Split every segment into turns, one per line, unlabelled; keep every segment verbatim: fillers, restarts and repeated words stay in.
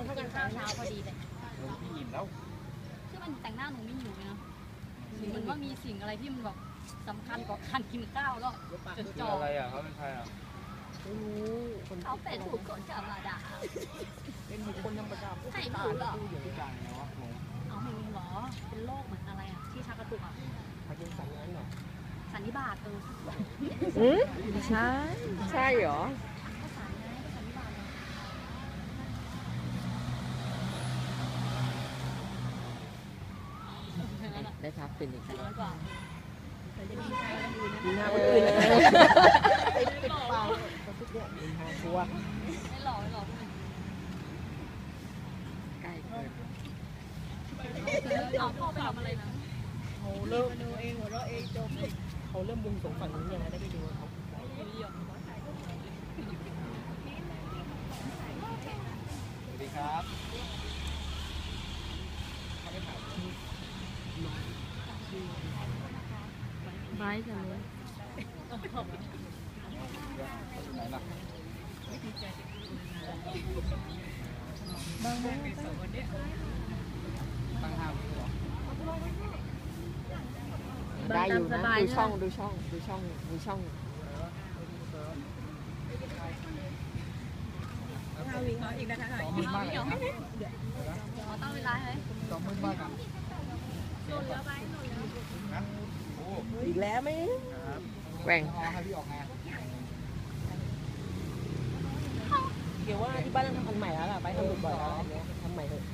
กินข้าวเช้าพอดีเลย
พี่อิ่มแล้ว
คือมันแต่งหน้าหนูไม่หิวเลยนะเหมือนว่ามีสิ่งอะไรที่มันแบบสำคัญกว่าการกินข้าวแล้วจดจ่อ
อะไรอ่ะเขาเป็นใครอ่ะ
ไม่รู้
เขาเป็นบุคคลธรรมดา
เป็นบุคคลธรรมดา
ใช่หรือเปล่า
ผู้อยู่ที่กลางไงวะงง
เอาไม่มีหรอเป็นโรคเหมือนอะไรอ่ะที่ชักกระตุกอ่ะ
พาร์กินสันนั้นเหรอ
สันนิบาตเออ
อืมใช่ใช่เหรอ
ก็สันไงก็สันนิบาต
ได้พักเป็นอีกแล้ว
น้อยกว่าแต่จะมีใครกันอยู่นะ
มีหน้าคนอื่นไปปิดปากทุกอย่างมีหน้าชัว
ไม่หล่อไม่หล่อ
ใกล้เกิน
เอาพ่อไปทำอะไรนะ
เขาเริ่มดูเองหัวเราะเองจบเขาเริ่มบุงสงฝั่งนี้ยังไงได้ไปดูเขา
สวัสดีครับ
ไบจังเลยบางวัน
ตั้งห้าวิเหรอ
ได้อยู่นะดูช่องดูช่องดูช่องดูช่อง
ห้าวิเขาอีกนะคะ
สองหมื่นมากเลยนะ
เราตั้งเวลาให้
สองหมื่นมากอ่ะ
โดนเยอะไปโดนเยอะ
นะโอ้
อีกแล้วไหมแหว่ง
ให้พี่ออกไง
เดี๋ยวว่าที่บ้านต้องทำอันใหม่แล้วล่ะไปทำบ่อยๆแล้วทำใหม่เถอะ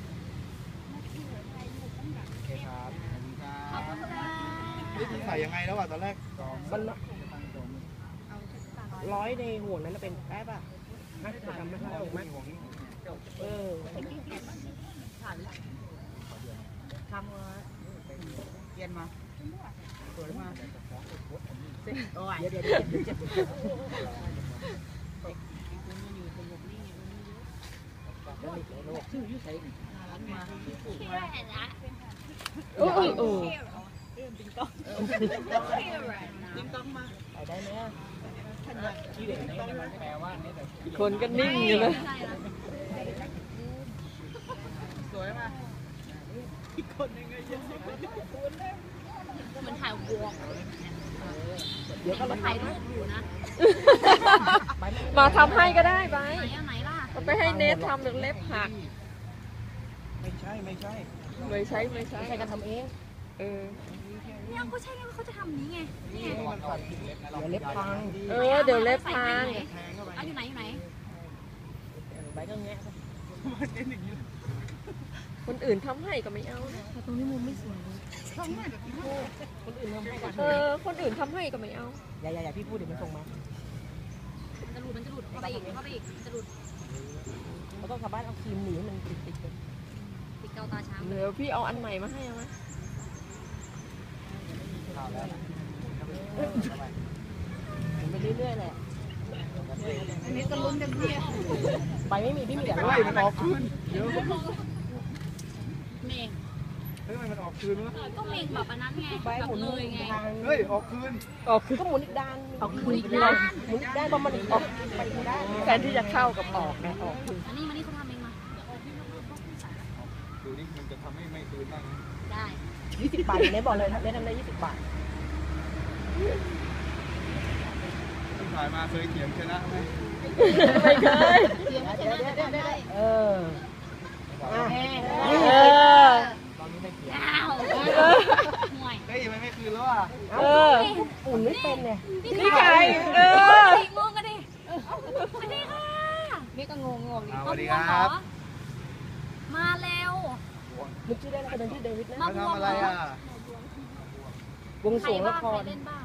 โอเคครับขอบคุณครับนี่ใส่ยังไงแล้วอ่ะตอนแรก
มันร้อยในห่วงนั้นเป็นแป๊บอ่ะน่าจะทำไม่ได้หรอกมั้ยเออทำมาเย็นมาสวยมากเดี๋ยวเดี๋ยวเดี๋ยวเจ็บชื่อยุ่ใส่มาโอ้โหติงต้องติงต้องมาไปได้ไหมอ่ะคนก็นิ่งอยู่เลยสวยมากคนยังไงยัง
มันถ่ายวง
เดี๋ยวก็
ถ่ายรูปอยู่นะ
มาทำให้ก็ได้ไป
ไหนอะไหนล่ะ
ไปให้เนททำเดี๋ยวเล็บหัก
ไม่ใช่ไม่ใช่
ไม่ใช่ไม่ใช่ใช่กันทำเองเออ
เนี่ยเขาใช่ไงเขาจะทำนี้ไงนี่
เดี๋ยวเล็บพังเออเดี๋ยวเล็บพัง
เอาอยู่ไหนอยู่ไหน
ใบก็แงะคนอื่นทำให้ก็ไม่เอาแต่ตรงนี้มุมไม่สวยคนอื่นทำให้ก็เออคนอื่นทำให้ก็ไม่เอาอย่าอย่าอย่าพี่พูดเดี๋ยวมันส่งมา
จะหลุดมันจะหลุดเข้าไปอีกเข้าไปอีกจะหลุด
เราต้องกลับบ้านเอาครีมหนีมันติดติดกัน
ติดเกาตาช้าง
เดี๋ยวพี่เอาอันใหม่มาให้เอาไหมไปเรื่อยๆแหละ
อันนี้ก็ลุ้นเต็มที่
ไปไม่มีพี่มีแต่
ไล่มันออกคืนเดี๋ยว
เมง
เฮ้ยมันออกคืนวะ
ก็เมงแบบอันนั้นไงแบบเลยไง
เฮ้ยออกคืน
ออกคืนก็หมุนอีกด้านออกคืนอีกด้านหมุนอีกด้านประมาณออกไปอีกด้านแทนที่จะเข้ากับออกไงออกคืน
อันนี้มันนี่เขาทำเองมา
ดูนี่มันจะทำให้ไม่คืนบ้าง
ได้
ยี่สิบบาทเนี่ยบอกเลยเล่นทำได้ยี่สิบบาท
ที่ถ่ายมาเคยเถียงชนะไหม
ไม่เคย
เถียงชนะได้
เออ
เอ
อ
ตอนนี้ไม่เถียง
ห่วย
เฮ้ยมันไม่คืนแล้วอ่ะ
เอออุ่นไม่เป็นเนี่ย
นี่ใครเอองงกันดิสวัสดีค่ะนี่ก็งงงง
สวัสดีครับ
มาแล้ว
นึกชื่อได้แล้วเป็นที่เดวิดนะ
มาทำอะไรอ่ะ
วงสวงละคร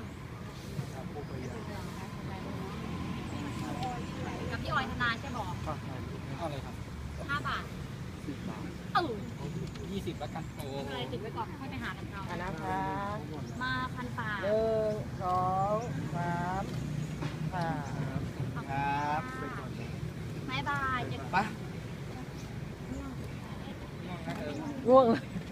กับพี่ออยธนาใช่บอก
เท่าไรครับ
ห้าบาท
สิบบาท
เออ
ยี่สิบแล้วกันโอ้
อะไรติดไว้ก่อนให้ไปหากันเอา
อันนะคะ
มาพันป่า
หนึ่งสองสามค่ะ
ครับ
บายบาย
ไป
ง่วง